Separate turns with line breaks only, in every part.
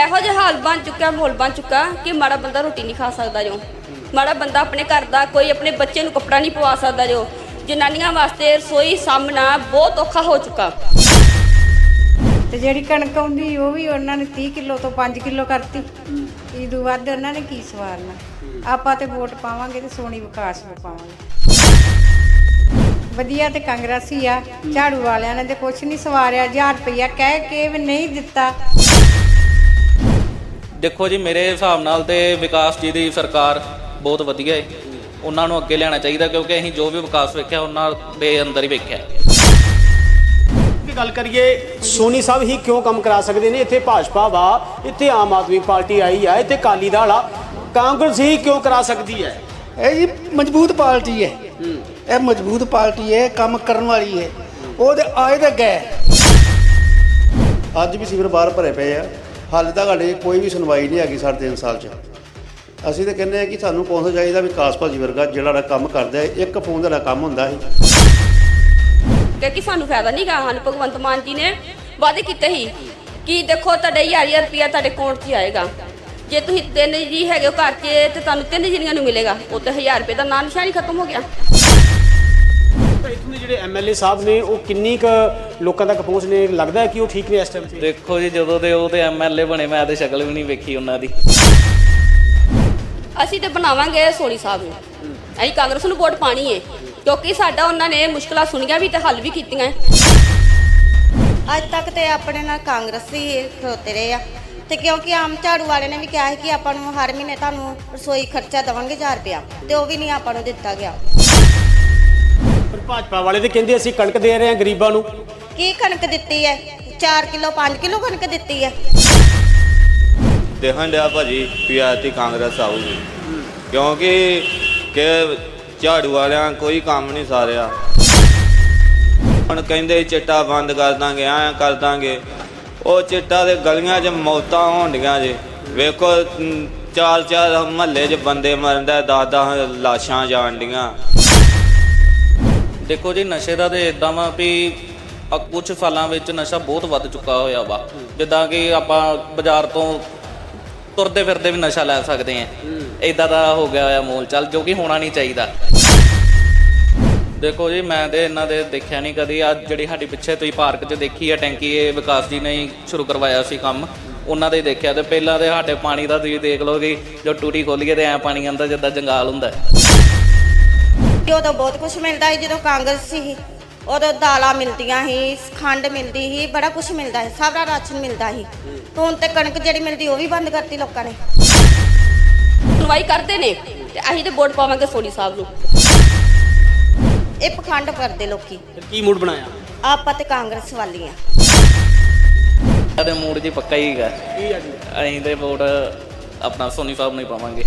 ਇਹੋ ਜਿਹਾ ਹਾਲ ਬਣ ਚੁੱਕਾ, ਮਾਹੌਲ ਬਣ ਚੁੱਕਾ ਕਿ ਮਾੜਾ ਬੰਦਾ ਰੋਟੀ ਨਹੀਂ ਖਾ ਸਕਦਾ ਜੋ, ਮਾੜਾ ਬੰਦਾ ਆਪਣੇ ਘਰ ਦਾ ਕੋਈ ਆਪਣੇ ਬੱਚੇ ਨੂੰ ਕੱਪੜਾ ਨਹੀਂ ਪਵਾ ਸਕਦਾ ਜੋ। ਜਨਾਨੀਆਂ ਵਾਸਤੇ ਰਸੋਈ ਸਾਹਮਣਾ ਬਹੁਤ ਔਖਾ ਹੋ ਚੁੱਕਾ।
ਤੇ ਜਿਹੜੀ ਕਣਕ ਆਉਂਦੀ ਉਹ ਵੀ ਉਹਨਾਂ ਨੇ 30 ਕਿਲੋ ਤੋਂ 5 ਕਿਲੋ ਕਰਤੀ। ਇਦੋਂ ਵੱਧ ਉਹਨਾਂ ਨੇ ਕੀ ਸਵਾਰਨਾ। ਆਪਾਂ ਤੇ ਵੋਟ ਪਾਵਾਂਗੇ ਤੇ ਸੋਹਣੀ ਵਿਕਾਸ ਨੂੰ ਪਾਵਾਂਗੇ। ਵਧੀਆ ਤੇ ਕਾਂਗਰਸੀ ਆ। ਝਾੜੂ ਵਾਲਿਆਂ ਨੇ ਤੇ ਕੁਛ ਨਹੀਂ ਸਵਾਰਿਆ। 1000 ਰੁਪਇਆ ਕਹਿ ਕੇ ਵੀ ਨਹੀਂ ਦਿੱਤਾ।
ਦੇਖੋ ਜੀ, ਮੇਰੇ ਹਿਸਾਬ ਨਾਲ ਤੇ ਵਿਕਾਸ ਜੀ ਦੀ ਸਰਕਾਰ ਬਹੁਤ ਵਧੀਆ ਹੈ। ਉਹਨਾਂ ਨੂੰ ਅੱਗੇ ਲਿਆਉਣਾ ਚਾਹੀਦਾ ਕਿਉਂਕਿ ਅਸੀਂ ਜੋ ਵੀ ਵਿਕਾਸ ਵੇਖਿਆ ਉਹਨਾਂ ਦੇ ਅੰਦਰ ਹੀ ਵੇਖਿਆ।
ਗੱਲ ਕਰੀਏ ਸੋਨੀ ਸਾਹਿਬ ਹੀ ਕਿਉਂ ਕੰਮ ਕਰਾ ਸਕਦੇ ਨੇ। ਇੱਥੇ ਭਾਜਪਾ ਵਾ, ਇੱਥੇ ਆਮ ਆਦਮੀ ਪਾਰਟੀ ਆਈ ਆ, ਇੱਥੇ ਅਕਾਲੀ ਦਲ ਆ, ਕਾਂਗਰਸ ਹੀ ਕਿਉਂ ਕਰਾ ਸਕਦੀ ਹੈ?
ਇਹ ਜੀ ਮਜ਼ਬੂਤ ਪਾਰਟੀ ਹੈ। ਇਹ ਮਜ਼ਬੂਤ ਪਾਰਟੀ ਹੈ, ਕੰਮ ਕਰਨ ਵਾਲੀ ਹੈ। ਉਹਦੇ ਆਏ ਤਾਂ ਗਏ।
ਅੱਜ ਵੀ ਸੀਵਰ ਬਾਹਰ ਭਰੇ ਪਏ ਆ। ਹਾਲੇ ਤੱਕ ਸਾਡੇ ਕੋਈ ਵੀ ਸੁਣਵਾਈ ਨਹੀਂ ਹੈਗੀ ਸਾਡੇ 3 ਸਾਲ 'ਚ। ਅਸੀਂ ਤਾਂ ਕਹਿੰਦੇ ਆ ਕਿ ਸਾਨੂੰ ਕੌਂਸਲ ਚਾਹੀਦਾ ਵਿਕਾਸ ਭਾਜੀ ਵਰਗਾ ਜਿਹੜਾ ਕੰਮ ਕਰਦਾ ਹੈ। ਇੱਕ ਫੋਨ ਦਾ ਕੰਮ ਹੁੰਦਾ ਸੀ
ਕਿ ਸਾਨੂੰ ਫਾਇਦਾ ਨਹੀਂ ਗਾ। ਸਾਨੂੰ ਭਗਵੰਤ ਮਾਨ ਜੀ ਨੇ ਵਾਅਦੇ ਕੀਤੇ ਸੀ ਕਿ ਦੇਖੋ ਤੁਹਾਡੇ 1000 ਰੁਪਇਆ ਤੁਹਾਡੇ ਅਕਾਊਂਟ 'ਚ ਆਏਗਾ। ਜੇ ਤੁਸੀਂ 3 ਜੀ ਹੈਗੇ ਹੋ ਘਰ 'ਚ ਤੇ ਤੁਹਾਨੂੰ 3 ਜਣੀਆਂ ਨੂੰ ਮਿਲੇਗਾ। ਉਹ ਤੇ 1000 ਰੁਪਏ ਦਾ ਨਾਂ ਨਿਸ਼ਾਨ ਹੀ ਖਤਮ ਹੋ ਗਿਆ।
ਇੱਥੋਂ ਦੇ ਜਿਹੜੇ ਐਮਐਲਏ ਸਾਹਿਬ ਨੇ ਉਹ ਕਿੰਨੀ ਕੁ ਲੋਕਾਂ ਤੱਕ ਪਹੁੰਚ ਨੇ? ਲੱਗਦਾ ਹੈ ਕਿ ਉਹ ਠੀਕ ਨੇ ਇਸ ਟਾਈਮ 'ਤੇ?
ਦੇਖੋ ਜੀ, ਜਦੋਂ ਦੇ ਉਹ ਤੇ ਐਮਐਲਏ ਬਣੇ ਮੈਂ ਤੇ ਸ਼ਕਲ ਵੀ ਨਹੀਂ ਵੇਖੀ ਉਹਨਾਂ ਦੀ।
ਅਸੀਂ ਤੇ ਬਣਾਵਾਂਗੇ ਸੋਨੀ ਸਾਹਿਬ ਨੂੰ। ਅਸੀਂ ਕਾਂਗਰਸ ਨੂੰ ਵੋਟ ਪਾਣੀ ਹੈ ਕਿਉਂਕਿ ਸਾਡਾ ਉਹਨਾਂ ਨੇ ਮੁਸ਼ਕਲਾਂ ਸੁਣੀਆਂ ਵੀ ਤੇ ਹੱਲ ਵੀ ਕੀਤੀਆਂ।
ਅੱਜ ਤੱਕ ਤੇ ਆਪਣੇ ਨਾਲ ਕਾਂਗਰਸ ਹੀ ਖਲੋਤੇ ਰਹੇ ਆ ਤੇ ਕਿਉਂਕਿ ਆਮ ਝਾੜੂ ਵਾਲੇ ਨੇ ਵੀ ਕਿਹਾ ਹੈ ਕਿ ਆਪਾਂ ਨੂੰ ਹਰ ਮਹੀਨੇ ਤੁਹਾਨੂੰ ਰਸੋਈ ਖਰਚਾ ਦੇਵਾਂਗੇ 1000 ਰੁਪਇਆ ਤੇ ਉਹ ਵੀ ਨਹੀਂ ਆਪਾਂ ਨੂੰ ਦਿੱਤਾ ਗਿਆ।
ਪਰ ਭਾਜਪਾ ਵਾਲੇ ਤੇ ਕਹਿੰਦੇ ਅਸੀਂ ਕਣਕ ਦੇ ਰਹੇ ਹਾਂ ਗਰੀਬਾਂ ਨੂੰ।
ਕੀ ਕਣਕ ਦਿੱਤੀ ਹੈ? 4 ਕਿਲੋ 5 ਕਿਲੋ ਕਣਕ ਦਿੱਤੀ ਹੈ।
ਦੇਖਣ ਡਿਆ ਭਾਜੀ ਵੀ ਐਤਕੀ ਕਾਂਗਰਸ ਆਊਗੀ ਕਿਉਂਕਿ ਕਿ ਝਾੜੂ ਵਾਲਿਆਂ ਕੋਈ ਕੰਮ ਨਹੀਂ ਸਾਰਿਆ। ਹੁਣ ਕਹਿੰਦੇ ਚਿੱਟਾ ਬੰਦ ਕਰ ਦਾਂਗੇ, ਐਂ ਕਰ ਦਾਂਗੇ। ਉਹ ਚਿੱਟਾ ਦੇ ਗਲੀਆਂ 'ਚ ਮੌਤਾਂ ਹੋਣ ਡੀਆਂ ਜੇ। ਵੇਖੋ 4 ਮਹੱਲੇ 'ਚ ਬੰਦੇ ਮਰਨ ਦਾ, 10 ਲਾਸ਼ਾਂ ਜਾਣ ਡੀਆਂ।
ਦੇਖੋ ਜੀ, ਨਸ਼ੇ ਦਾ ਤੇ ਇਦਾਂ ਵਾ ਵੀ ਕੁਝ ਸਾਲਾਂ ਵਿੱਚ ਨਸ਼ਾ ਬਹੁਤ ਵੱਧ ਚੁੱਕਾ ਹੋਇਆ ਵਾ। ਜਿੱਦਾਂ ਕਿ ਆਪਾਂ ਬਾਜ਼ਾਰ ਤੋਂ ਤੁਰਦੇ ਫਿਰਦੇ ਵੀ ਨਸ਼ਾ ਲੈ ਸਕਦੇ ਹਾਂ। ਇਦਾਂ ਦਾ ਹੋ ਗਿਆ ਹੋਇਆ ਮੋਲ ਚੱਲ, ਜੋ ਕਿ ਹੋਣਾ ਨਹੀਂ ਚਾਹੀਦਾ। ਦੇਖੋ ਜੀ, ਮੈਂ ਤੇ ਇਹਨਾਂ ਦੇ ਦੇਖਿਆ ਨਹੀਂ ਕਦੀ। ਅੱਜ ਜਿਹੜੀ ਸਾਡੀ ਪਿੱਛੇ ਤੁਸੀਂ ਪਾਰਕ 'ਚ ਦੇਖੀ ਹੈ ਟੈਂਕੀ, ਇਹ ਵਿਕਾਸ ਜੀ ਨੇ ਹੀ ਸ਼ੁਰੂ ਕਰਵਾਇਆ ਸੀ ਕੰਮ। ਉਹਨਾਂ ਦੇ ਦੇਖਿਆ। ਤੇ ਪਹਿਲਾਂ ਤੇ ਸਾਡੇ ਪਾਣੀ ਦਾ ਤੁਸੀਂ ਦੇਖ ਲਓ ਕਿ ਜੋ ਟੂਟੀ ਖੋਲੀਏ ਤੇ ਐਂ ਪਾਣੀ ਆਉਂਦਾ ਜਿੱਦਾਂ ਜੰਗਾਲ ਹੁੰਦਾ।
ਉਦੋਂ ਬਹੁਤ ਕੁਝ ਮਿਲਦਾ ਸੀ ਜਦੋਂ ਕਾਂਗਰਸ ਸੀ। ਉਦੋਂ ਦਾਲਾਂ ਮਿਲਦੀਆਂ ਸੀ, ਖੰਡ ਮਿਲਦੀ ਸੀ, ਬੜਾ ਕੁਝ ਮਿਲਦਾ ਸੀ, ਸਾਰਾ ਰਾਸ਼ਨ ਮਿਲਦਾ ਸੀ। ਹੁਣ ਤੇ ਕਣਕ ਜਿਹੜੀ ਮਿਲਦੀ ਉਹ ਵੀ ਬੰਦ ਕਰਤੀ ਲੋਕਾਂ ਨੇ।
ਸੁਣਵਾਈ ਕਰਦੇ ਨੇ ਤੇ ਅਸੀਂ ਤੇ ਵੋਟ ਪਾਵਾਂਗੇ ਸੋਨੀ ਸਾਹਿਬ ਨੂੰ।
ਇਹ ਪਖੰਡ ਕਰਦੇ ਲੋਕੀ।
ਕੀ ਮੂਡ ਬਣਾਇਆ?
ਆਪਾਂ ਤੇ ਕਾਂਗਰਸ ਵਾਲੀ ਆ।
ਸਾਡੇ ਮੂਡ ਜੀ ਪੱਕਾ ਹੀ ਹੈਗਾ। ਅਸੀਂ ਤੇ ਵੋਟ ਆਪਣਾ ਸੋਨੀ ਸਾਹਿਬ ਨੂੰ ਹੀ ਪਾਵਾਂਗੇ।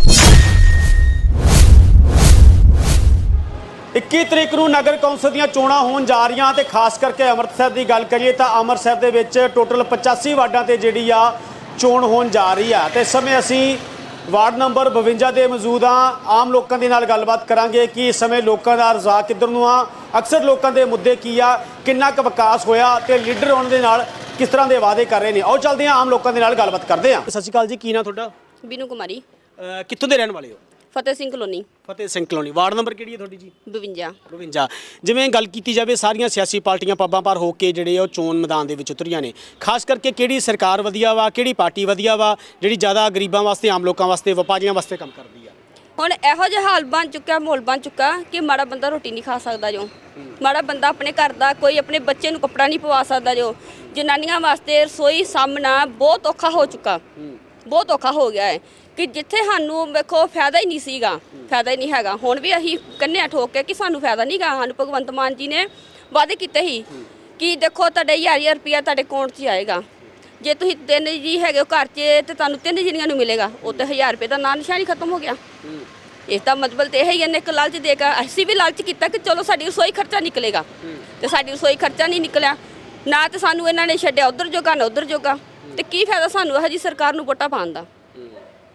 21 ਤਰੀਕ ਨੂੰ ਨਗਰ ਕੌਂਸਲ ਦੀਆਂ ਚੋਣਾਂ ਹੋਣ ਜਾ ਰਹੀਆਂ ਤੇ ਖਾਸ ਕਰਕੇ ਅੰਮ੍ਰਿਤਸਰ ਦੀ ਗੱਲ ਕਰੀਏ ਤਾਂ ਅੰਮ੍ਰਿਤਸਰ ਦੇ ਵਿੱਚ ਟੋਟਲ 85 ਵਾਰਡਾਂ ਤੇ ਜਿਹੜੀ ਆ ਚੋਣ ਹੋਣ ਜਾ ਰਹੀ ਆ। ਤੇ ਇਸ ਸਮੇਂ ਅਸੀਂ ਵਾਰਡ ਨੰਬਰ 52 ਦੇ ਮੌਜੂਦ ਹਾਂ। ਆਮ ਲੋਕਾਂ ਦੇ ਨਾਲ ਗੱਲਬਾਤ ਕਰਾਂਗੇ ਕਿ ਇਸ ਸਮੇਂ ਲੋਕਾਂ ਦਾ ਰੁਝਾਨ ਕਿੱਧਰ ਨੂੰ ਆ, ਅਕਸਰ ਲੋਕਾਂ ਦੇ ਮੁੱਦੇ ਕੀ ਆ, ਕਿੰਨਾ ਕੁ ਵਿਕਾਸ ਹੋਇਆ ਤੇ ਲੀਡਰ ਉਹਨਾਂ ਦੇ ਨਾਲ ਕਿਸ ਤਰ੍ਹਾਂ ਦੇ ਵਾਅਦੇ ਕਰ ਰਹੇ ਨੇ। ਆਓ ਚੱਲਦੇ ਹਾਂ, ਆਮ ਲੋਕਾਂ ਦੇ ਨਾਲ ਗੱਲਬਾਤ ਕਰਦੇ ਹਾਂ। ਸਤਿ ਸ਼੍ਰੀ ਅਕਾਲ ਜੀ, ਕੀ ਨਾਂ ਤੁਹਾਡਾ?
ਬੀਨੂ ਕੁਮਾਰੀ,
ਕਿੱਥੋਂ ਦੇ ਰਹਿਣ ਵਾਲੇ ਹੋ?
ਫਤਿਹ ਸਿੰਘ ਕਲੋਨੀ।
ਫਤਿਹ ਸਿੰਘ ਕਲੋਨੀ। ਵਾਰਡ ਨੰਬਰ ਕਿਹੜੀ ਹੈ ਤੁਹਾਡੀ ਜੀ?
52।
52। ਜਿਵੇਂ ਗੱਲ ਕੀਤੀ ਜਾਵੇ, ਸਾਰੀਆਂ ਸਿਆਸੀ ਪਾਰਟੀਆਂ ਪੱਬਾਂ ਭਾਰ ਹੋ ਕੇ ਜਿਹੜੇ ਉਹ ਚੋਣ ਮੈਦਾਨ ਦੇ ਵਿੱਚ ਉਤਰੀਆਂ ਨੇ। ਖਾਸ ਕਰਕੇ ਕਿਹੜੀ ਸਰਕਾਰ ਵਧੀਆ ਵਾ, ਕਿਹੜੀ ਪਾਰਟੀ ਵਧੀਆ ਵਾ ਜਿਹੜੀ ਜ਼ਿਆਦਾ ਗਰੀਬਾਂ ਵਾਸਤੇ, ਆਮ ਲੋਕਾਂ ਵਾਸਤੇ, ਵਪਾਰੀਆਂ ਵਾਸਤੇ ਕੰਮ ਕਰਦੀ ਆ?
ਹੁਣ ਇਹੋ ਜਿਹਾ ਹਾਲ ਬਣ ਚੁੱਕਾ, ਮਾਹੌਲ ਬਣ ਚੁੱਕਾ ਕਿ ਮਾੜਾ ਬੰਦਾ ਰੋਟੀ ਨਹੀਂ ਖਾ ਸਕਦਾ ਜੋ, ਮਾੜਾ ਬੰਦਾ ਆਪਣੇ ਘਰ ਦਾ ਕੋਈ ਆਪਣੇ ਬੱਚੇ ਨੂੰ ਕੱਪੜਾ ਨਹੀਂ ਪਵਾ ਸਕਦਾ ਜੋ। ਜਨਾਨੀਆਂ ਵਾਸਤੇ ਰਸੋਈ ਸਾਹਮਣਾ ਬਹੁਤ ਔਖਾ ਹੋ ਚੁੱਕਾ, ਬਹੁਤ ਔਖਾ ਹੋ ਗਿਆ ਹੈ ਕਿ ਜਿੱਥੇ ਸਾਨੂੰ ਵੇਖੋ ਫਾਇਦਾ ਹੀ ਨਹੀਂ ਸੀਗਾ, ਫਾਇਦਾ ਹੀ ਨਹੀਂ ਹੈਗਾ। ਹੁਣ ਵੀ ਅਸੀਂ ਕੰਨਿਆ ਠੋਕ ਕੇ ਕਿ ਸਾਨੂੰ ਫਾਇਦਾ ਨਹੀਂ ਗਾ। ਸਾਨੂੰ ਭਗਵੰਤ ਮਾਨ ਜੀ ਨੇ ਵਾਅਦੇ ਕੀਤੇ ਸੀ ਕਿ ਦੇਖੋ ਤੁਹਾਡੇ 1000 ਰੁਪਇਆ ਤੁਹਾਡੇ ਅਕਾਊਂਟ 'ਚ ਆਏਗਾ। ਜੇ ਤੁਸੀਂ 3 ਜੀ ਹੈਗੇ ਹੋ ਘਰ 'ਚ ਤੇ ਤੁਹਾਨੂੰ 3 ਜਣੀਆਂ ਨੂੰ ਮਿਲੇਗਾ। ਉਹ ਤੇ 1000 ਰੁਪਏ ਦਾ ਨਾਂ ਨਿਸ਼ਾਨ ਹੀ ਖਤਮ ਹੋ ਗਿਆ। ਇਸ ਦਾ ਮਤਲਬ ਤੇ ਇਹ ਹੀ ਇਹਨੇ ਇੱਕ ਲਾਲਚ ਦੇਗਾ। ਅਸੀਂ ਵੀ ਲਾਲਚ ਕੀਤਾ ਕਿ ਚਲੋ ਸਾਡੀ ਰਸੋਈ ਖਰਚਾ ਨਿਕਲੇਗਾ ਤੇ ਸਾਡੀ ਰਸੋਈ ਖਰਚਾ ਨਹੀਂ ਨਿਕਲਿਆ। ਨਾ ਤੇ ਸਾਨੂੰ ਇਹਨਾਂ ਨੇ ਛੱਡਿਆ ਉਧਰ ਜੋਗਾ ਨਾ ਉਧਰ ਜੋਗਾ। ਤੇ ਕੀ ਫਾਇਦਾ ਸਾਨੂੰ ਇਹੋ ਜਿਹੀ ਸਰਕਾਰ ਨੂੰ ਵੋਟਾਂ ਪਾਉਣ ਦਾ?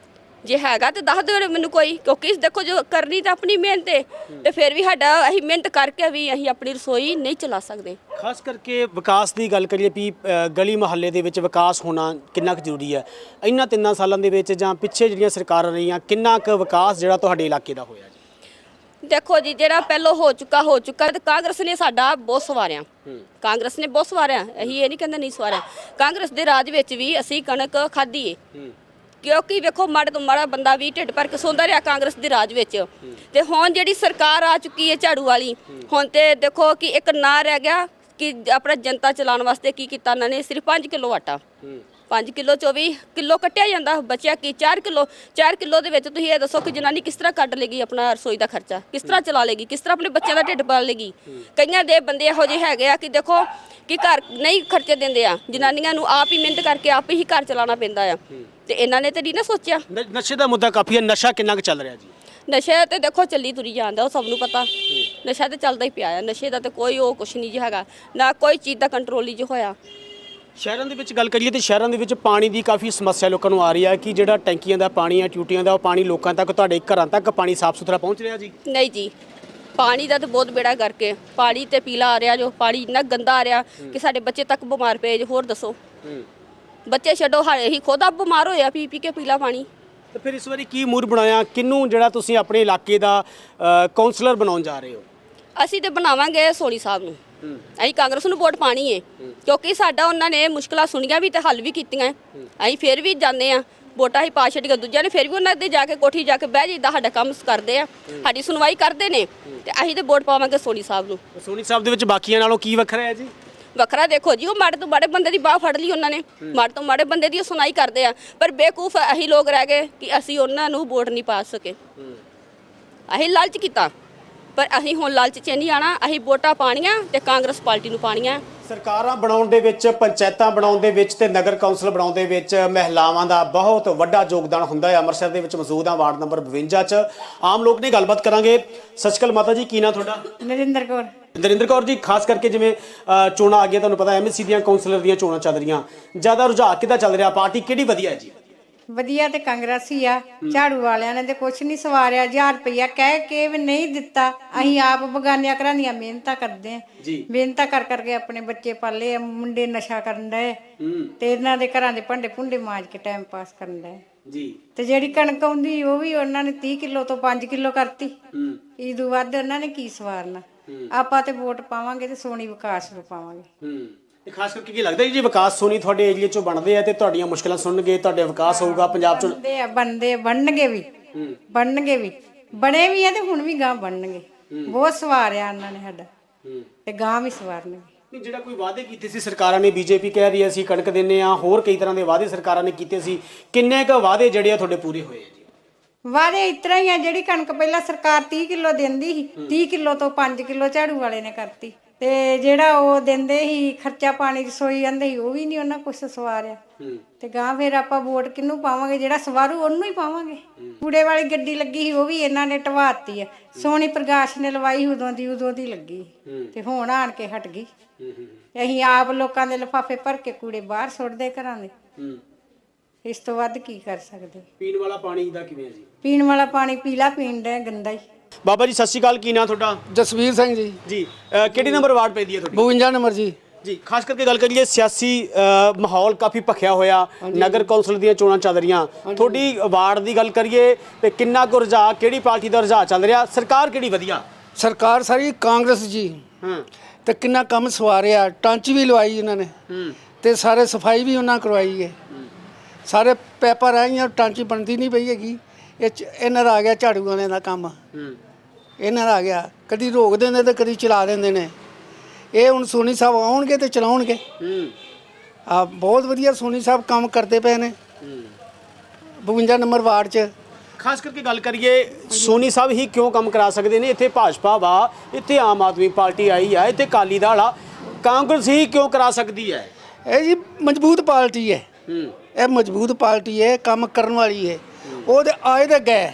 ਜੇ ਹੈਗਾ ਤੇ ਦੱਸ ਦਿਓ ਮੈਨੂੰ ਕੋਈ, ਕਿਉਂਕਿ ਦੇਖੋ ਜੋ ਕਰਨੀ ਤਾਂ ਆਪਣੀ ਮਿਹਨਤ ਹੈ ਤੇ ਫਿਰ ਵੀ ਸਾਡਾ ਅਸੀਂ ਮਿਹਨਤ ਕਰਕੇ ਵੀ ਅਸੀਂ ਆਪਣੀ ਰਸੋਈ ਨਹੀਂ ਚਲਾ ਸਕਦੇ।
ਖਾਸ ਕਰਕੇ ਵਿਕਾਸ ਦੀ ਗੱਲ ਕਰੀਏ ਵੀ ਗਲੀ ਮੁਹੱਲੇ ਦੇ ਵਿੱਚ ਵਿਕਾਸ ਹੋਣਾ ਕਿੰਨਾ ਕੁ ਜ਼ਰੂਰੀ ਹੈ? ਇਹਨਾਂ 3 ਸਾਲਾਂ ਦੇ ਵਿੱਚ ਜਾਂ ਪਿੱਛੇ ਜਿਹੜੀਆਂ ਸਰਕਾਰਾਂ ਰਹੀਆਂ ਕਿੰਨਾ ਕੁ ਵਿਕਾਸ ਜਿਹੜਾ ਤੁਹਾਡੇ ਇਲਾਕੇ ਦਾ ਹੋਇਆ ਜੀ?
ਦੇਖੋ ਜੀ, ਜਿਹੜਾ ਪਹਿਲਾਂ ਹੋ ਚੁੱਕਾ ਤੇ ਕਾਂਗਰਸ ਨੇ ਸਾਡਾ ਬਹੁਤ ਸਵਾਰਿਆ, ਕਾਂਗਰਸ ਨੇ ਬਹੁਤ ਸਵਾਰਿਆ, ਅਸੀਂ ਇਹ ਨਹੀਂ ਕਹਿੰਦੇ ਨਹੀਂ ਸਵਾਰਿਆ। ਕਾਂਗਰਸ ਦੇ ਰਾਜ ਵਿੱਚ ਵੀ ਅਸੀਂ ਕਣਕ ਖਾਧੀ ਏ, ਕਿਉਂਕਿ ਵੇਖੋ ਮਾੜੇ ਤੋਂ ਮਾੜਾ ਬੰਦਾ ਵੀ ਢਿੱਡ ਭਰ ਕੇ ਸੌਂਦਾ ਰਿਹਾ ਕਾਂਗਰਸ ਦੇ ਰਾਜ ਵਿੱਚ। ਤੇ ਹੁਣ ਜਿਹੜੀ ਸਰਕਾਰ ਆ ਚੁੱਕੀ ਹੈ ਝਾੜੂ ਵਾਲੀ, ਹੁਣ ਤੇ ਦੇਖੋ ਕਿ ਇੱਕ ਨਾਂ ਰਹਿ ਗਿਆ ਕਿ ਆਪਣਾ ਜਨਤਾ ਚਲਾਉਣ ਵਾਸਤੇ ਕੀ ਕੀਤਾ ਇਹਨਾਂ ਨੇ, ਸਿਰਫ 5 ਕਿਲੋ ਆਟਾ, 5 ਕਿਲੋ 24 ਕਿਲੋ ਕੱਟਿਆ ਜਾਂਦਾ, ਬਚਿਆ ਕੀ 4 ਕਿਲੋ ਦੇ ਵਿੱਚ ਤੁਸੀਂ ਇਹ ਦੱਸੋ ਕਿ ਜਨਾਨੀ ਕਿਸ ਤਰ੍ਹਾਂ ਕੱਢ ਲੇਗੀ ਆਪਣਾ ਰਸੋਈ ਦਾ ਖਰਚਾ, ਕਿਸ ਤਰ੍ਹਾਂ ਚਲਾ ਲੇਗੀ, ਕਿਸ ਤਰ੍ਹਾਂ ਆਪਣੇ ਬੱਚਿਆਂ ਦਾ ਢਿੱਡ ਪਾਲ ਲੇਗੀ। ਕਈਆਂ ਦੇ ਬੰਦੇ ਇਹੋ ਜਿਹੇ ਹੈਗੇ ਆ ਕਿ ਦੇਖੋ ਕਿ ਘਰ ਨਹੀਂ ਖਰਚੇ ਦਿੰਦੇ ਆ, ਜਨਾਨੀਆਂ ਨੂੰ ਆਪ ਹੀ ਮਿਹਨਤ ਕਰਕੇ ਆਪ ਹੀ ਘਰ ਚਲਾਉਣਾ ਪੈਂਦਾ ਆ, ਤੇ ਇਹਨਾਂ ਨੇ ਤੇ ਨਹੀਂ ਨਾ ਸੋਚਿਆ।
ਨਸ਼ੇ ਦਾ ਮੁੱਦਾ ਕਾਫੀ ਹੈ, ਨਸ਼ਾ ਕਿੰਨਾ ਕੁ ਚੱਲ ਰਿਹਾ ਜੀ?
ਨਸ਼ਾ ਤੇ ਦੇਖੋ ਚੱਲੀ ਤੁਰੀ ਜਾਂਦਾ, ਉਹ ਸਭ ਨੂੰ ਪਤਾ, ਨਸ਼ਾ ਤੇ ਚੱਲਦਾ ਹੀ ਪਿਆ ਆ, ਨਸ਼ੇ ਦਾ ਤੇ ਕੋਈ ਉਹ ਕੁਛ ਨਹੀਂ ਜੀ ਹੈਗਾ, ਨਾ ਕੋਈ ਚੀਜ਼ ਦਾ ਕੰਟਰੋਲ ਹੀ ਹੋਇਆ।
ਸ਼ਹਿਰਾਂ ਦੇ ਵਿੱਚ ਗੱਲ ਕਰੀਏ ਤੇ ਸ਼ਹਿਰਾਂ ਦੇ ਵਿੱਚ ਪਾਣੀ ਦੀ ਕਾਫੀ ਸਮੱਸਿਆ ਲੋਕਾਂ ਨੂੰ ਆ ਰਹੀ ਹੈ ਕਿ ਜਿਹੜਾ ਟੈਂਕੀਆਂ ਦਾ ਪਾਣੀ ਹੈ, ਟੂਟੀਆਂ ਦਾ, ਉਹ ਪਾਣੀ ਲੋਕਾਂ ਤੱਕ, ਤੁਹਾਡੇ ਘਰਾਂ ਤੱਕ ਪਾਣੀ ਸਾਫ਼ ਸੁਥਰਾ ਪਹੁੰਚ ਰਿਹਾ ਜੀ?
ਨਹੀਂ ਜੀ, ਪਾਣੀ ਦਾ ਤਾਂ ਬਹੁਤ ਬੇੜਾ ਕਰਕੇ ਪਾਣੀ ਤੇ ਪੀਲਾ ਆ ਰਿਹਾ, ਜੋ ਪਾਣੀ ਇੰਨਾ ਗੰਦਾ ਆ ਰਿਹਾ ਕਿ ਸਾਡੇ ਬੱਚੇ ਤੱਕ ਬਿਮਾਰ ਪਏ ਜੋ। ਹੋਰ ਦੱਸੋ, ਬੱਚੇ ਛੱਡੋ, ਹਾਲੇ ਹੀ ਖੁਦ ਆਪ ਬਿਮਾਰ ਹੋਇਆ ਪੀ ਕੇ ਪੀਲਾ ਪਾਣੀ।
ਤੇ ਫਿਰ ਇਸ ਵਾਰੀ ਕੀ ਮੂਡ ਬਣਾਇਆ, ਕਿਹਨੂੰ ਜਿਹੜਾ ਤੁਸੀਂ ਆਪਣੇ ਇਲਾਕੇ ਦਾ ਕਾਉਂਸਲਰ ਬਣਾਉਣ ਜਾ ਰਹੇ ਹੋ?
ਅਸੀਂ ਤੇ ਬਣਾਵਾਂਗੇ ਸੋਨੀ ਸਾਹਿਬ ਨੂੰ, ਅਸੀਂ ਕਾਂਗਰਸ ਨੂੰ ਵੋਟ ਪਾਣੀ ਹੈ, ਕਿਉਂਕਿ ਸਾਡਾ ਉਹਨਾਂ ਨੇ ਮੁਸ਼ਕਲਾਂ ਸੁਣੀਆਂ ਵੀ ਤੇ ਹੱਲ ਵੀ ਕੀਤੀਆਂ। ਅਸੀਂ ਫਿਰ ਵੀ ਜਾਂਦੇ ਆ, ਵੋਟਾਂ ਹੀ ਪਾ ਛੱਡੀਆਂ ਦੂਜਿਆਂ ਨੇ, ਫਿਰ ਵੀ ਉਹਨਾਂ ਦੇ ਜਾ ਕੇ ਕੋਠੀ ਜਾ ਕੇ ਬਹਿ ਜਾਈਦਾ, ਸਾਡਾ ਕੰਮ ਕਰਦੇ ਆ, ਸਾਡੀ ਸੁਣਵਾਈ ਕਰਦੇ ਨੇ, ਤੇ ਅਸੀਂ ਤੇ ਵੋਟ ਪਾਵਾਂਗੇ ਸੋਨੀ ਸਾਹਿਬ ਨੂੰ।
ਸੋਨੀ ਸਾਹਿਬ ਦੇ ਵਿੱਚ ਬਾਕੀਆਂ ਨਾਲੋਂ ਕੀ ਵੱਖਰਾ ਹੈ ਜੀ?
ਵੱਖਰਾ ਦੇਖੋ ਜੀ, ਉਹ ਮਾੜੇ ਤੋਂ ਮਾੜੇ ਬੰਦੇ ਦੀ ਬਾਹ ਫੜ ਲਈ ਉਹਨਾਂ ਨੇ, ਮਾੜੇ ਤੋਂ ਮਾੜੇ ਬੰਦੇ ਦੀ ਸੁਣਾਈ ਕਰਦੇ ਆ, ਪਰ ਬੇਵਕੂਫ ਅਸੀਂ ਲੋਕ ਰਹਿ ਗਏ ਕਿ ਅਸੀਂ ਉਹਨਾਂ ਨੂੰ ਵੋਟ ਨਹੀਂ ਪਾ ਸਕੇ। ਅਸੀਂ ਲਾਲਚ ਕੀਤਾ, ਪਰ ਅਸੀਂ ਹੁਣ ਲਾਲਚ 'ਚ ਨਹੀਂ ਆਣਾ, ਅਸੀਂ ਵੋਟਾਂ ਪਾਣੀਆਂ ਤੇ ਕਾਂਗਰਸ ਪਾਰਟੀ ਨੂੰ ਪਾਣੀਆਂ।
ਸਰਕਾਰਾਂ ਬਣਾਉਣ ਦੇ ਵਿੱਚ, ਪੰਚਾਇਤਾਂ ਬਣਾਉਣ ਦੇ ਵਿੱਚ ਤੇ ਨਗਰ ਕੌਂਸਲ ਬਣਾਉਣ ਦੇ ਵਿੱਚ ਮਹਿਲਾਵਾਂ ਦਾ ਬਹੁਤ ਵੱਡਾ ਯੋਗਦਾਨ ਹੁੰਦਾ ਹੈ। ਅੰਮ੍ਰਿਤਸਰ ਦੇ ਵਿੱਚ ਮੌਜੂਦ ਹਾਂ, ਵਾਰਡ ਨੰਬਰ 52 'ਚ ਆਮ ਲੋਕ ਨੇ ਗੱਲਬਾਤ ਕਰਾਂਗੇ। ਸਤਿ ਸ਼੍ਰੀ ਅਕਾਲ ਮਾਤਾ ਜੀ, ਕੀ ਨਾਂ ਤੁਹਾਡਾ?
ਨਰਿੰਦਰ ਕੌਰ।
ਨਰਿੰਦਰ ਕੌਰ ਜੀ, ਖਾਸ ਕਰਕੇ ਜਿਵੇਂ ਚੋਣਾਂ ਆ ਗਈਆਂ, ਤੁਹਾਨੂੰ ਪਤਾ ਐਮਐਸਸੀ ਦੀਆਂ ਕਾਉਂਸਲਰ ਦੀਆਂ ਚੋਣਾਂ ਚੱਲ ਰਹੀਆਂ, ਜ਼ਿਆਦਾ ਰੁਝਾਨ ਕਿੱਦਾਂ ਚੱਲ ਰਿਹਾ, ਪਾਰਟੀ ਕਿਹੜੀ ਵਧੀਆ ਹੈ ਜੀ?
ਵਧੀਆ ਤੇ ਕਾਂਗਰਸ ਹੀ ਆ। ਝਾੜੂ ਵਾਲਿਆਂ ਨੇ ਤੇ ਕੁਛ ਨਹੀਂ ਸਵਾਰਿਆ, 1000 ਰੁਪਇਆ ਕਹਿ ਕੇ ਵੀ ਨਹੀਂ ਦਿੱਤਾ। ਅਸੀਂ ਆਪ ਬਗਾਨਿਆਂ ਘਰਾਂ ਦੀਆਂ ਮਿਹਨਤਾਂ ਕਰਦੇ ਆ, ਮਿਹਨਤਾਂ ਕਰ ਕਰਕੇ ਆਪਣੇ ਬੱਚੇ ਪਾਲੇ ਆ, ਮੁੰਡੇ ਨਸ਼ਾ ਕਰਨ ਡਏ ਤੇ ਇਹਨਾਂ ਦੇ ਘਰਾਂ ਦੇ ਭਾਂਡੇ ਭੁੰਡੇ ਮਾਂਜ ਕੇ ਟਾਈਮ ਪਾਸ ਕਰਨ ਡਏ ਜੀ। ਤੇ ਜਿਹੜੀ ਕਣਕ ਆਉਂਦੀ ਉਹ ਵੀ ਉਹਨਾਂ ਨੇ 30 ਕਿਲੋ ਤੋਂ 5 ਕਿਲੋ ਕਰਤੀ। ਇਦੋਂ ਵੱਧ ਉਹਨਾਂ ਨੇ ਕੀ ਸਵਾਰਨਾ। ਆਪਾਂ ਤੇ ਵੋਟ ਪਾਵਾਂਗੇ ਤੇ ਸੋਨੀ ਵਿਕਾਸ ਨੂੰ ਪਾਵਾਂਗੇ।
ਤੇ ਖਾਸ ਕਰਕੇ ਕੀ ਲੱਗਦਾ ਜੀ ਵਿਕਾਸ ਸੋਨੀ ਤੁਹਾਡੇ ਏਰੀਆ 'ਚੋਂ ਬਣਦੇ ਆ ਤੇ ਤੁਹਾਡੀਆਂ ਮੁਸ਼ਕਲਾਂ ਸੁਣਨਗੇ, ਤੁਹਾਡੇ ਵਿਕਾਸ ਹੋਊਗਾ ਪੰਜਾਬ 'ਚ? ਬਣਨਗੇ ਵੀ, ਬਣੇ ਵੀ ਆ ਤੇ ਹੁਣ ਵੀ ਗਾਂ ਬਣਨਗੇ। ਬਹੁਤ ਸਵਾਰਿਆ ਉਹਨਾਂ ਨੇ ਸਾਡਾ ਤੇ ਗਾਂ ਵੀ ਸਵਾਰਨਗੇ। ਜਿਹੜਾ ਕੋਈ ਵਾਅਦੇ ਕੀਤੇ ਸੀ ਸਰਕਾਰਾਂ ਨੇ, ਬੀਜੇਪੀ ਕਹਿ ਰਹੀ ਹੈ ਅਸੀਂ ਕਣਕ ਦਿੰਨੇ ਆ, ਹੋਰ ਕਈ ਤਰ੍ਹਾਂ ਦੇ ਵਾਅਦੇ ਸਰਕਾਰਾਂ ਨੇ ਕੀਤੇ ਸੀ, ਕਿੰਨੇ ਕੁ ਵਾਅਦੇ ਜਿਹੜੇ ਆ ਤੁਹਾਡੇ ਪੂਰੇ ਹੋਏ ਆ ਜੀ?
ਵਾਅਦੇ ਇਸ ਤਰ੍ਹਾਂ ਹੀ ਆ, ਜਿਹੜੀ ਕਣਕ ਪਹਿਲਾਂ ਸਰਕਾਰ 30 ਕਿਲੋ ਦਿੰਦੀ ਸੀ, 30 ਕਿਲੋ ਤੋਂ 5 ਕਿਲੋ ਝਾੜੂ ਵਾਲੇ ਨੇ ਕਰਤੀ। ਤੇ ਜਿਹੜਾ ਉਹ ਦਿੰਦੇ ਸੀ ਖਰਚਾ ਪਾਣੀ ਰਸੋਈ ਆਂਦੇ ਸੀ, ਉਹ ਵੀ ਨਹੀਂ ਉਹਨਾਂ ਕੁਛ ਸਵਾਰਿਆ। ਤੇ ਗਾਂ ਫਿਰ ਆਪਾਂ ਵੋਟ ਕਿਹਨੂੰ ਪਾਵਾਂਗੇ? ਜਿਹੜਾ ਸਵਾਰੂ ਉਹਨੂੰ ਹੀ ਪਾਵਾਂਗੇ। ਕੂੜੇ ਵਾਲੀ ਗੱਡੀ ਲੱਗੀ ਸੀ, ਉਹ ਵੀ ਇਹਨਾਂ ਨੇ ਢਵਾਤੀ ਆ। ਸੋਨੀ ਪ੍ਰਕਾਸ਼ ਨੇ ਲਵਾਈ ਉਦੋਂ ਦੀ ਲੱਗੀ ਤੇ ਹੁਣ ਆਣ ਕੇ ਹਟ ਗਈ। ਅਸੀਂ ਆਪ ਲੋਕਾਂ ਦੇ ਲਿਫਾਫੇ ਭਰ ਕੇ ਕੂੜੇ ਬਾਹਰ ਸੁੱਟਦੇ ਘਰਾਂ ਦੇ। ਇਸ ਤੋਂ ਵੱਧ ਕੀ ਕਰ ਸਕਦੇ?
ਪੀਣ ਵਾਲਾ ਪਾਣੀ ਦਾ ਕਿਵੇਂ ਜੀ?
ਪੀਣ ਵਾਲਾ ਪਾਣੀ ਪੀਲਾ ਪੀਣ ਦਾ ਗੰਦਾ ਹੀ।
ਬਾਬਾ ਜੀ ਸਤਿ ਸ਼੍ਰੀ ਅਕਾਲ, ਕੀ ਨਾਂ ਤੁਹਾਡਾ?
ਜਸਵੀਰ ਸਿੰਘ ਜੀ।
ਜੀ ਕਿਹੜੀ ਨੰਬਰ ਵਾਰਡ ਪੈਂਦੀ ਹੈ ਤੁਹਾਡੀ?
52 ਨੰਬਰ ਜੀ।
ਜੀ ਖਾਸ ਕਰਕੇ ਗੱਲ ਕਰੀਏ, ਸਿਆਸੀ ਮਾਹੌਲ ਕਾਫੀ ਭਖਿਆ ਹੋਇਆ, ਨਗਰ ਕੌਂਸਲ ਦੀਆਂ ਚੋਣਾਂ ਚੱਲ ਰਹੀਆਂ, ਤੁਹਾਡੀ ਵਾਰਡ ਦੀ ਗੱਲ ਕਰੀਏ ਤੇ ਕਿੰਨਾ ਕੁ ਰੁਝਾਨ, ਕਿਹੜੀ ਪਾਰਟੀ ਦਾ ਰੁਝਾਨ ਚੱਲ ਰਿਹਾ, ਸਰਕਾਰ ਕਿਹੜੀ ਵਧੀਆ?
ਸਰਕਾਰ ਸਾਰੀ ਕਾਂਗਰਸ ਜੀ। ਤੇ ਕਿੰਨਾ ਕੰਮ ਸਵਾਰਿਆ, ਟਾਂਚੀ ਵੀ ਲਵਾਈ ਇਹਨਾਂ ਨੇ ਤੇ ਸਾਰੇ ਸਫਾਈ ਵੀ ਉਹਨਾਂ ਕਰਵਾਈ ਹੈ। ਸਾਰੇ ਪੈਪਰ ਆਈਆਂ, ਟਾਂਚੀ ਬਣਦੀ ਨਹੀਂ ਪਈ ਹੈਗੀ। ਇਹਨਾਂ ਦਾ ਆ ਗਿਆ ਝਾੜੂ ਵਾਲਿਆਂ ਦਾ ਕੰਮ, ਇਹਨਾਂ ਦਾ ਆ ਗਿਆ। ਕਦੀ ਰੋਕ ਦਿੰਦੇ ਤੇ ਕਦੀ ਚਲਾ ਦਿੰਦੇ ਨੇ। ਇਹ ਹੁਣ ਸੋਨੀ ਸਾਹਿਬ ਆਉਣਗੇ ਤੇ ਚਲਾਉਣਗੇ। ਆ ਬਹੁਤ ਵਧੀਆ ਸੋਨੀ ਸਾਹਿਬ ਕੰਮ ਕਰਦੇ ਪਏ ਨੇ 52 ਨੰਬਰ ਵਾਰਡ 'ਚ।
ਖਾਸ ਕਰਕੇ ਗੱਲ ਕਰੀਏ, ਸੋਨੀ ਸਾਹਿਬ ਹੀ ਕਿਉਂ ਕੰਮ ਕਰਾ ਸਕਦੇ ਨੇ? ਇੱਥੇ ਭਾਜਪਾ ਵਾ, ਇੱਥੇ ਆਮ ਆਦਮੀ ਪਾਰਟੀ ਆਈ ਆ, ਇੱਥੇ ਅਕਾਲੀ ਦਲ ਆ, ਕਾਂਗਰਸ ਹੀ ਕਿਉਂ ਕਰਾ ਸਕਦੀ ਹੈ?
ਇਹ ਜੀ ਮਜ਼ਬੂਤ ਪਾਰਟੀ ਹੈ, ਇਹ ਮਜ਼ਬੂਤ ਪਾਰਟੀ ਹੈ, ਕੰਮ ਕਰਨ ਵਾਲੀ ਹੈ। ਉਹਦੇ ਆਏ ਦੇ ਗਏ,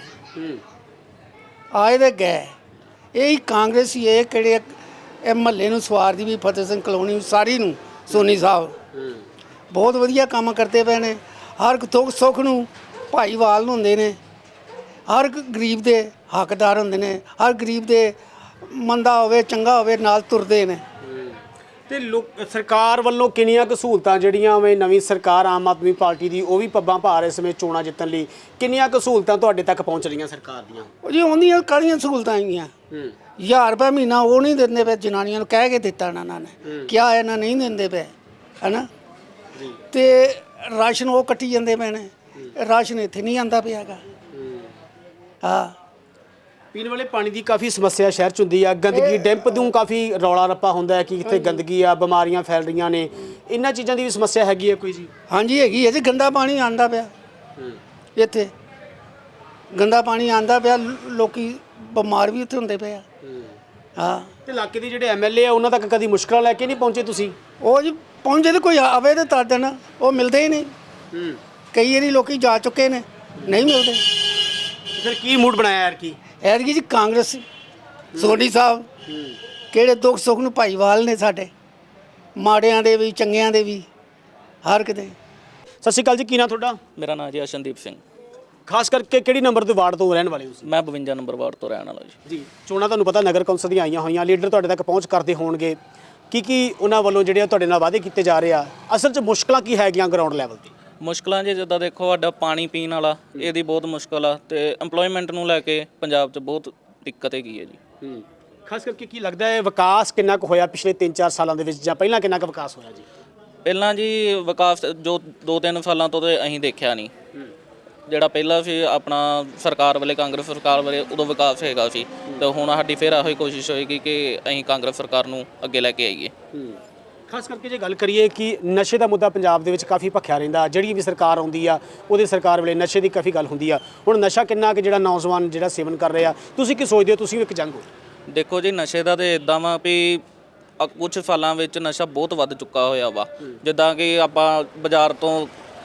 ਆਏ ਦੇ ਗਏ। ਇਹ ਕਾਂਗਰਸ ਹੀ ਹੈ ਕਿਹੜੇ ਇਹ ਮਹੱਲੇ ਨੂੰ ਸਵਾਰਦੀ ਵੀ, ਫਤਿਹ ਸਿੰਘ ਕਲੋਨੀ ਸਾਰੀ ਨੂੰ। ਸੋਨੀ ਸਾਹਿਬ ਬਹੁਤ ਵਧੀਆ ਕੰਮ ਕਰਦੇ ਪਏ ਨੇ, ਹਰ ਦੁੱਖ ਸੁੱਖ ਨੂੰ ਭਾਈਵਾਲ ਹੁੰਦੇ ਨੇ, ਹਰ ਇੱਕ ਗਰੀਬ ਦੇ ਹੱਕਦਾਰ ਹੁੰਦੇ ਨੇ, ਹਰ ਗਰੀਬ ਦੇ ਮੰਦਾ ਹੋਵੇ ਚੰਗਾ ਹੋਵੇ ਨਾਲ ਤੁਰਦੇ ਨੇ।
ਤੇ ਸਰਕਾਰ ਵੱਲੋਂ ਕਿੰਨੀਆਂ ਕੁ ਸਹੂਲਤਾਂ ਜਿਹੜੀਆਂ ਵੇ ਨਵੀਂ ਸਰਕਾਰ ਆਮ ਆਦਮੀ ਪਾਰਟੀ ਦੀ ਉਹ ਵੀ ਪੱਬਾਂ ਭਾਰ ਇਸ ਸਮੇਂ ਚੋਣਾਂ ਜਿੱਤਣ ਲਈ ਕਿੰਨੀਆਂ ਕੁ ਸਹੂਲਤਾਂ ਤੁਹਾਡੇ ਤੱਕ ਪਹੁੰਚ ਰਹੀਆਂ ਸਰਕਾਰ ਦੀਆਂ?
ਉਹ ਜੀ ਆਉਂਦੀਆਂ ਕਾਹਦੀਆਂ ਸਹੂਲਤਾਂ ਆਈਆਂ, 1000 ਰੁਪਏ ਮਹੀਨਾ ਉਹ ਨਹੀਂ ਦਿੰਦੇ ਪਏ ਜਨਾਨੀਆਂ ਨੂੰ, ਕਹਿ ਕੇ ਦਿੱਤਾ ਇਹਨਾਂ ਨੇ, ਕਿਹਾ ਇਹਨਾਂ ਨਹੀਂ ਦਿੰਦੇ ਪਏ ਹੈਨਾ। ਤੇ ਰਾਸ਼ਨ ਉਹ ਕੱਟੀ ਜਾਂਦੇ ਪਏ ਨੇ, ਰਾਸ਼ਨ ਇੱਥੇ ਨਹੀਂ ਆਂਦਾ ਪਿਆ ਹੈਗਾ। ਹਾਂ,
ਪੀਣ ਵਾਲੇ ਪਾਣੀ ਦੀ ਕਾਫੀ ਸਮੱਸਿਆ ਸ਼ਹਿਰ 'ਚ ਹੁੰਦੀ ਆ, ਗੰਦਗੀ ਡੈਂਪ ਨੂੰ ਕਾਫੀ ਰੌਲਾ ਰੱਪਾ ਹੁੰਦਾ ਹੈ ਕਿ ਇੱਥੇ ਗੰਦਗੀ ਆ, ਬਿਮਾਰੀਆਂ ਫੈਲ ਰਹੀਆਂ ਨੇ, ਇਹਨਾਂ ਚੀਜ਼ਾਂ ਦੀ ਵੀ ਸਮੱਸਿਆ ਹੈਗੀ ਹੈ ਕੋਈ ਜੀ?
ਹਾਂਜੀ ਹੈਗੀ ਹੈ ਜੀ, ਗੰਦਾ ਪਾਣੀ ਆਂਦਾ ਪਿਆ ਇੱਥੇ, ਗੰਦਾ ਪਾਣੀ ਆਂਦਾ ਪਿਆ, ਲੋਕੀ ਬਿਮਾਰ ਵੀ ਇੱਥੇ ਹੁੰਦੇ ਪਏ ਆ। ਹਾਂ,
ਤੇ ਇਲਾਕੇ ਦੇ ਜਿਹੜੇ ਐਮਐਲਏ ਆ ਉਹਨਾਂ ਤੱਕ ਕਦੀ ਮੁਸ਼ਕਲਾਂ ਲੈ ਕੇ ਨਹੀਂ ਪਹੁੰਚੇ ਤੁਸੀਂ?
ਉਹ ਜੀ ਪਹੁੰਚੇ ਤੇ ਕੋਈ ਆਵੇ ਤੇ ਤਦ ਦੇਣ, ਉਹ ਮਿਲਦੇ ਹੀ ਨਹੀਂ। ਕਈ ਵਾਰੀ ਲੋਕੀ ਜਾ ਚੁੱਕੇ ਨੇ, ਨਹੀਂ ਮਿਲਦੇ।
ਫਿਰ ਕੀ ਮੂਡ ਬਣਾਇਆ ਯਾਰ ਕੀ?
ਐਤਕੀ ਜੀ ਕਾਂਗਰਸ ਸੋਢੀ ਸਾਹਿਬ ਕਿਹੜੇ ਦੁੱਖ ਸੁੱਖ ਨੂੰ ਭਾਈਵਾਲ ਨੇ ਸਾਡੇ, ਮਾੜਿਆਂ ਦੇ ਵੀ ਚੰਗਿਆਂ ਦੇ ਵੀ, ਹਰ ਕਿਤੇ।
ਸਤਿ ਸ਼੍ਰੀ ਅਕਾਲ ਜੀ, ਕੀ ਨਾਂ ਤੁਹਾਡਾ?
ਮੇਰਾ ਨਾਮ ਜੀ ਅਸ਼ਨਦੀਪ ਸਿੰਘ।
ਖਾਸ ਕਰਕੇ ਕਿਹੜੀ ਨੰਬਰ ਦੇ ਵਾਰਡ ਤੋਂ ਰਹਿਣ ਵਾਲੇ ਹੋ?
ਮੈਂ 52 ਨੰਬਰ ਵਾਰਡ ਤੋਂ ਰਹਿਣ ਵਾਲਾ
ਜੀ। ਚੋਣਾਂ ਤੁਹਾਨੂੰ ਪਤਾ ਨਗਰ ਕੌਂਸਲ ਦੀਆਂ ਆਈਆਂ ਹੋਈਆਂ, ਲੀਡਰ ਤੁਹਾਡੇ ਤੱਕ ਪਹੁੰਚ ਕਰਦੇ ਹੋਣਗੇ, ਕੀ ਉਹਨਾਂ ਵੱਲੋਂ ਜਿਹੜੇ ਤੁਹਾਡੇ ਨਾਲ ਵਾਅਦੇ ਕੀਤੇ ਜਾ ਰਹੇ ਆ, ਅਸਲ 'ਚ ਮੁਸ਼ਕਲਾਂ ਕੀ ਹੈਗੀਆਂ ਗਰਾਊਂਡ ਲੈਵਲ ਤੇ?
ਮੁਸ਼ਕਲਾਂ ਜੀ ਜਿੱਦਾਂ ਦੇਖੋ ਸਾਡਾ ਪਾਣੀ ਪੀਣ ਵਾਲਾ ਇਹਦੀ ਬਹੁਤ ਮੁਸ਼ਕਲ ਆ, ਤੇ EMPLOYMENT ਨੂੰ ਲੈ ਕੇ ਪੰਜਾਬ 'ਚ ਬਹੁਤ ਦਿੱਕਤ ਹੈਗੀ ਹੈ ਜੀ।
ਖਾਸ ਕਰਕੇ ਕੀ ਲੱਗਦਾ ਹੈ ਵਿਕਾਸ ਕਿੰਨਾ ਕੁ ਹੋਇਆ ਪਿਛਲੇ 3-4 ਸਾਲਾਂ ਦੇ ਵਿੱਚ, ਜਾਂ ਪਹਿਲਾਂ ਕਿੰਨਾ ਕੁ ਵਿਕਾਸ ਹੋਇਆ ਜੀ?
ਪਹਿਲਾਂ ਜੀ ਵਿਕਾਸ ਜੋ 2-3 ਸਾਲਾਂ ਤੋਂ ਤੇ ਅਸੀਂ ਦੇਖਿਆ ਨਹੀਂ। ਜਿਹੜਾ ਪਹਿਲਾਂ ਸੀ ਆਪਣਾ ਸਰਕਾਰ ਵੇਲੇ, ਕਾਂਗਰਸ ਸਰਕਾਰ ਵੇਲੇ, ਉਦੋਂ ਵਿਕਾਸ ਹੈਗਾ ਸੀ, ਤੇ ਹੁਣ ਸਾਡੀ ਫਿਰ ਇਹੋ ਹੀ ਕੋਸ਼ਿਸ਼ ਹੋਏਗੀ ਕਿ ਅਸੀਂ ਕਾਂਗਰਸ ਸਰਕਾਰ ਨੂੰ ਅੱਗੇ ਲੈ ਕੇ ਆਈਏ।
ਖਾਸ ਕਰਕੇ ਜੇ ਗੱਲ ਕਰੀਏ ਕਿ ਨਸ਼ੇ ਦਾ ਮੁੱਦਾ ਪੰਜਾਬ ਦੇ ਵਿੱਚ ਕਾਫੀ ਭਖਿਆ ਰਹਿੰਦਾ, ਜਿਹੜੀ ਵੀ ਸਰਕਾਰ ਆਉਂਦੀ ਆ ਉਹਦੇ ਸਰਕਾਰ ਵੇਲੇ ਨਸ਼ੇ ਦੀ ਕਾਫੀ ਗੱਲ ਹੁੰਦੀ ਆ। ਹੁਣ ਨਸ਼ਾ ਕਿੰਨਾ ਕਿ ਜਿਹੜਾ ਨੌਜਵਾਨ ਜਿਹੜਾ ਸੇਵਨ ਕਰ ਰਹੇ ਆ, ਤੁਸੀਂ ਕੀ ਸੋਚਦੇ ਹੋ? ਤੁਸੀਂ ਵੀ ਇੱਕ ਜੰਗ ਹੋ।
ਦੇਖੋ ਜੀ ਨਸ਼ੇ ਦਾ ਤੇ ਇਦਾਂ ਵਾ ਵੀ ਕੁਝ ਸਾਲਾਂ ਵਿੱਚ ਨਸ਼ਾ ਬਹੁਤ ਵੱਧ ਚੁੱਕਾ ਹੋਇਆ ਵਾ, ਜਿੱਦਾਂ ਕਿ ਆਪਾਂ ਬਾਜ਼ਾਰ ਤੋਂ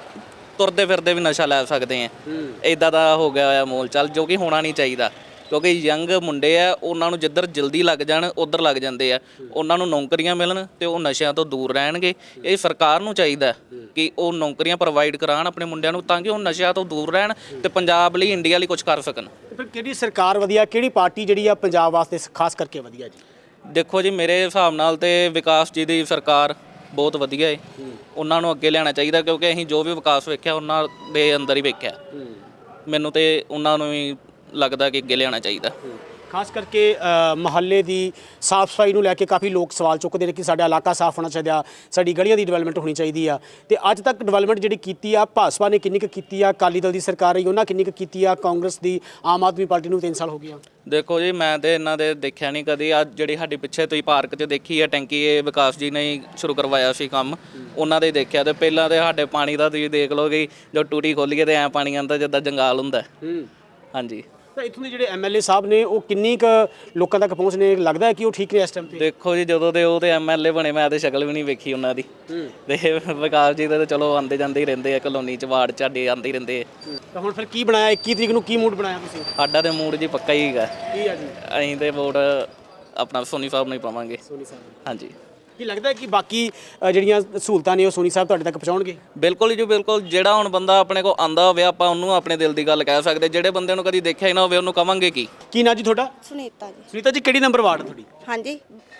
ਤੁਰਦੇ ਫਿਰਦੇ ਵੀ ਨਸ਼ਾ ਲੈ ਸਕਦੇ ਆ, ਇਦਾਂ ਦਾ ਹੋ ਗਿਆ ਹੋਇਆ ਮੋਲ ਚਾਲ, ਜੋ ਕਿ ਹੋਣਾ ਨਹੀਂ ਚਾਹੀਦਾ। ਕਿਉਂਕਿ ਯੰਗ ਮੁੰਡੇ ਆ, ਉਹਨਾਂ ਨੂੰ ਜਿੱਧਰ ਜਲਦੀ ਲੱਗ ਜਾਣ ਉੱਧਰ ਲੱਗ ਜਾਂਦੇ ਆ, ਉਹਨਾਂ ਨੂੰ ਨੌਕਰੀਆਂ ਮਿਲਣ ਤੇ ਉਹ ਨਸ਼ਿਆਂ ਤੋਂ ਦੂਰ ਰਹਿਣਗੇ। ਇਹ ਸਰਕਾਰ ਨੂੰ ਚਾਹੀਦਾ ਕਿ ਉਹ ਨੌਕਰੀਆਂ ਪ੍ਰੋਵਾਈਡ ਕਰਾਉਣ ਆਪਣੇ ਮੁੰਡਿਆਂ ਨੂੰ, ਤਾਂ ਕਿ ਉਹ ਨਸ਼ਿਆਂ ਤੋਂ ਦੂਰ ਰਹਿਣ ਤੇ ਪੰਜਾਬ ਲਈ, ਇੰਡੀਆ ਲਈ ਕੁਝ ਕਰ ਸਕਣ।
ਫਿਰ ਕਿਹੜੀ ਸਰਕਾਰ ਵਧੀਆ, ਕਿਹੜੀ ਪਾਰਟੀ ਜਿਹੜੀ ਆ ਪੰਜਾਬ ਵਾਸਤੇ ਖਾਸ ਕਰਕੇ ਵਧੀਆ ਜੀ?
ਦੇਖੋ ਜੀ ਮੇਰੇ ਹਿਸਾਬ ਨਾਲ ਤੇ ਵਿਕਾਸ ਜੀ ਦੀ ਸਰਕਾਰ ਬਹੁਤ ਵਧੀਆ ਹੈ, ਉਹਨਾਂ ਨੂੰ ਅੱਗੇ ਲਿਆਉਣਾ ਚਾਹੀਦਾ, ਕਿਉਂਕਿ ਅਸੀਂ ਜੋ ਵੀ ਵਿਕਾਸ ਵੇਖਿਆ ਉਹਨਾਂ ਦੇ ਅੰਦਰ ਹੀ ਵੇਖਿਆ। ਮੈਨੂੰ ਤੇ ਉਹਨਾਂ ਨੂੰ ਹੀ ਲੱਗਦਾ ਕਿ ਅੱਗੇ ਲਿਆਉਣਾ ਚਾਹੀਦਾ।
ਖਾਸ ਕਰਕੇ ਮੁਹੱਲੇ ਦੀ ਸਾਫ਼ ਸਫਾਈ ਨੂੰ ਲੈ ਕੇ ਕਾਫੀ ਲੋਕ ਸਵਾਲ ਚੁੱਕਦੇ ਨੇ ਕਿ ਸਾਡਾ ਇਲਾਕਾ ਸਾਫ਼ ਹੋਣਾ ਚਾਹੀਦਾ, ਸਾਡੀ ਗਲੀਆਂ ਦੀ ਡਿਵੈਲਪਮੈਂਟ ਹੋਣੀ ਚਾਹੀਦੀ ਆ। ਤੇ ਅੱਜ ਤੱਕ ਡਿਵੈਲਪਮੈਂਟ ਜਿਹੜੀ ਕੀਤੀ ਆ, ਭਾਜਪਾ ਨੇ ਕਿੰਨੀ ਕੁ ਕੀਤੀ ਆ, ਅਕਾਲੀ ਦਲ ਦੀ ਸਰਕਾਰ ਰਹੀ ਉਹਨਾਂ ਕਿੰਨੀ ਕੁ ਕੀਤੀ ਆ, ਕਾਂਗਰਸ ਦੀ, ਆਮ ਆਦਮੀ ਪਾਰਟੀ ਨੂੰ 3 ਸਾਲ ਹੋ ਗਏ ਆ।
ਦੇਖੋ ਜੀ ਮੈਂ ਤੇ ਇਹਨਾਂ ਦੇ ਦੇਖਿਆ ਨਹੀਂ ਕਦੀ। ਅੱਜ ਜਿਹੜੀ ਸਾਡੇ ਪਿੱਛੇ ਤੁਸੀਂ ਪਾਰਕ 'ਚ ਦੇਖੀ ਹੈ ਟੈਂਕੀ, ਇਹ ਵਿਕਾਸ ਜੀ ਨੇ ਹੀ ਸ਼ੁਰੂ ਕਰਵਾਇਆ ਸੀ ਕੰਮ, ਉਹਨਾਂ ਦੇ ਦੇਖਿਆ। ਤੇ ਪਹਿਲਾਂ ਤੇ ਸਾਡੇ ਪਾਣੀ ਦਾ ਤੁਸੀਂ ਦੇਖ ਲਓ ਕਿ ਜੋ ਟੂਟੀ ਖੋਲੀਏ ਤੇ ਐਂ ਪਾਣੀ ਆਉਂਦਾ ਜਿੱਦਾਂ ਜੰਗਾਲ ਹੁੰਦਾ। ਹਾਂਜੀ।
ਤਾਂ ਇੱਥੋਂ ਦੇ ਜਿਹੜੇ ਐਮਐਲਏ ਸਾਹਿਬ ਨੇ ਉਹ ਕਿੰਨੀ ਕੁ ਲੋਕਾਂ ਤੱਕ ਪਹੁੰਚਣੇ, ਲੱਗਦਾ ਹੈ ਕਿ ਉਹ ਠੀਕ ਨੇ ਇਸ ਟਾਈਮ ਤੇ?
ਦੇਖੋ ਜੀ ਜਦੋਂ ਦੇ ਉਹ ਤੇ ਐਮਐਲਏ ਬਣੇ ਮੈਂ ਤੇ ਸ਼ਕਲ ਵੀ ਨਹੀਂ ਵੇਖੀ ਉਹਨਾਂ ਦੀ, ਤੇ ਵਿਕਾਸ ਜੀ ਦੇ ਤੇ ਚਲੋ ਆਉਂਦੇ ਜਾਂਦੇ ਹੀ ਰਹਿੰਦੇ ਆ, ਕਲੋਨੀ 'ਚ ਵਾਰਡ 'ਚ ਸਾਡੇ ਆਉਂਦੇ ਹੀ ਰਹਿੰਦੇ ਆ।
ਤਾਂ ਹੁਣ ਫਿਰ ਕੀ ਬਣਾਇਆ 21 ਤਰੀਕ ਨੂੰ, ਕੀ ਮੂਡ ਬਣਾਇਆ ਤੁਸੀਂ?
ਸਾਡਾ ਤੇ ਮੂਡ ਜੀ ਪੱਕਾ ਹੀ ਹੈਗਾ,
ਕੀ ਆ ਜੀ?
ਅਸੀਂ ਤੇ ਵੋਟ ਆਪਣਾ ਸੋਨੀ ਸਾਹਿਬ ਨੂੰ ਹੀ ਪਾਵਾਂਗੇ।
ਸੋਨੀ ਸਾਹਿਬ।
ਹਾਂਜੀ।
ਕੀ ਲੱਗਦਾ ਕਿ ਬਾਕੀ ਜਿਹੜੀਆਂ ਸਹੂਲਤਾਂ ਨੇ ਉਹ ਸੋਨੀ ਸਾਹਿਬ ਤੁਹਾਡੇ ਤੱਕ ਪਹੁੰਚਾਉਣਗੇ?
ਬਿਲਕੁਲ ਜੀ ਬਿਲਕੁਲ। ਜਿਹੜਾ ਹੁਣ ਬੰਦਾ ਆਪਣੇ ਕੋਲ ਆਂਦਾ ਹੋਵੇ ਆਪਾਂ ਉਹਨੂੰ ਆਪਣੇ ਦਿਲ ਦੀ ਗੱਲ ਕਹਿ ਸਕਦੇ, ਜਿਹੜੇ ਬੰਦੇ ਨੂੰ ਕਦੀ ਦੇਖਿਆ ਹੀ ਨਾ ਹੋਵੇ ਉਹਨੂੰ ਕਵਾਂਗੇ ਕੀ ਨਾਂ ਜੀ ਤੁਹਾਡਾ?
ਸੁਨੀਤਾ ਜੀ।
ਸੁਨੀਤਾ ਜੀ ਕਿਹੜੀ ਨੰਬਰ ਵਾਰਡ ਤੁਹਾਡੀ?
ਹਾਂਜੀ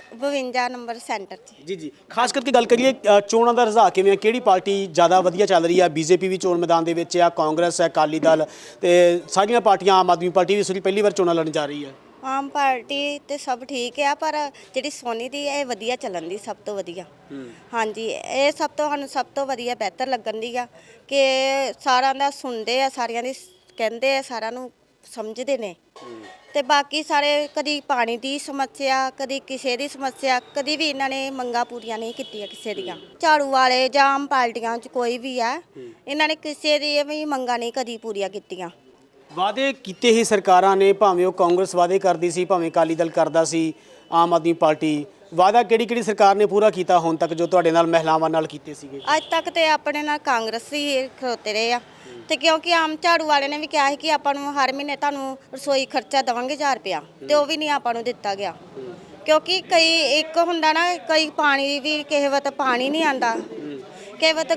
52 ਨੰਬਰ ਸੈਂਟਰ 'ਚ।
ਜੀ। ਖਾਸ ਕਰਕੇ ਗੱਲ ਕਰੀਏ ਚੋਣਾਂ ਦਾ ਰੁਝਾਨ ਕਿਵੇਂ ਆ, ਕਿਹੜੀ ਪਾਰਟੀ ਜ਼ਿਆਦਾ ਵਧੀਆ ਚੱਲ ਰਹੀ ਆ? ਬੀਜੇਪੀ ਵੀ ਚੋਣ ਮੈਦਾਨ ਦੇ ਵਿੱਚ ਆ, ਕਾਂਗਰਸ ਹੈ, ਅਕਾਲੀ ਦਲ, ਤੇ ਸਾਰੀਆਂ ਪਾਰਟੀਆਂ, ਆਮ ਆਦਮੀ ਪਾਰਟੀ ਵੀ ਇਸ ਵਾਰੀ ਪਹਿਲੀ ਵਾਰ ਚੋਣਾਂ ਲੜਨ ਜਾ ਰਹੀ ਹੈ।
ਆਮ ਪਾਰਟੀ ਤੇ ਸਭ ਠੀਕ ਆ, ਪਰ ਜਿਹੜੀ ਸੋਨੀ ਦੀ ਇਹ ਵਧੀਆ ਚੱਲਣ ਦੀ ਸਭ ਤੋਂ ਵਧੀਆ। ਹਾਂਜੀ, ਇਹ ਸਭ ਤੋਂ ਸਾਨੂੰ ਸਭ ਤੋਂ ਵਧੀਆ ਬਿਹਤਰ ਲੱਗਣ ਦੀ ਆ ਕਿ ਸਾਰਿਆਂ ਦਾ ਸੁਣਦੇ ਆ, ਸਾਰਿਆਂ ਦੀ ਕਹਿੰਦੇ ਆ, ਸਾਰਿਆਂ ਨੂੰ ਸਮਝਦੇ ਨੇ। ਤੇ ਬਾਕੀ ਸਾਰੇ ਕਦੀ ਪਾਣੀ ਦੀ ਸਮੱਸਿਆ, ਕਦੀ ਕਿਸੇ ਦੀ ਸਮੱਸਿਆ, ਕਦੀ ਵੀ ਇਹਨਾਂ ਨੇ ਮੰਗਾਂ ਪੂਰੀਆਂ ਨਹੀਂ ਕੀਤੀਆਂ ਕਿਸੇ ਦੀਆਂ। ਝਾੜੂ ਵਾਲੇ ਜਾਂ ਆਮ ਪਾਰਟੀਆਂ 'ਚ ਕੋਈ ਵੀ ਆ, ਇਹਨਾਂ ਨੇ ਕਿਸੇ ਦੀ ਵੀ ਮੰਗਾਂ ਨਹੀਂ ਕਦੀ ਪੂਰੀਆਂ ਕੀਤੀਆਂ।
ਵਾਅਦੇ ਕੀਤੇ ਹੀ ਸਰਕਾਰਾਂ ਨੇ, ਭਾਵੇਂ ਉਹ ਕਾਂਗਰਸ ਵਾਅਦੇ ਕਰਦੀ ਸੀ, ਭਾਵੇਂ ਅਕਾਲੀ ਦਲ ਕਰਦਾ ਸੀ, ਆਮ ਆਦਮੀ ਪਾਰਟੀ। ਵਾਅਦਾ ਕਿਹੜੀ ਸਰਕਾਰ ਨੇ ਪੂਰਾ ਕੀਤਾ ਹੁਣ ਤੱਕ ਜੋ ਤੁਹਾਡੇ ਨਾਲ, ਮਹਿਲਾਵਾਂ ਨਾਲ ਕੀਤੇ ਸੀਗੇ?
ਅੱਜ ਤੱਕ ਤੇ ਆਪਣੇ ਨਾਲ ਕਾਂਗਰਸ ਹੀ ਖਲੋਤੇ ਰਹੇ ਆ। ਤੇ ਕਿਉਂਕਿ ਆਮ ਝਾੜੂ ਵਾਲੇ ਨੇ ਵੀ ਕਿਹਾ ਸੀ ਕਿ ਆਪਾਂ ਨੂੰ ਹਰ ਮਹੀਨੇ ਤੁਹਾਨੂੰ ਰਸੋਈ ਖਰਚਾ ਦੇਵਾਂਗੇ 1000 ਰੁਪਇਆ, ਤੇ ਉਹ ਵੀ ਨਹੀਂ ਆਪਾਂ ਨੂੰ ਦਿੱਤਾ ਗਿਆ। ਕਿਉਂਕਿ ਕਈ ਇੱਕ ਹੁੰਦਾ ਨਾ, ਕਈ ਪਾਣੀ ਵੀ ਕਿਸੇ ਵਕਤ ਪਾਣੀ ਨਹੀਂ ਆਂਦਾ, ਕਿਸੇ ਵਕਤ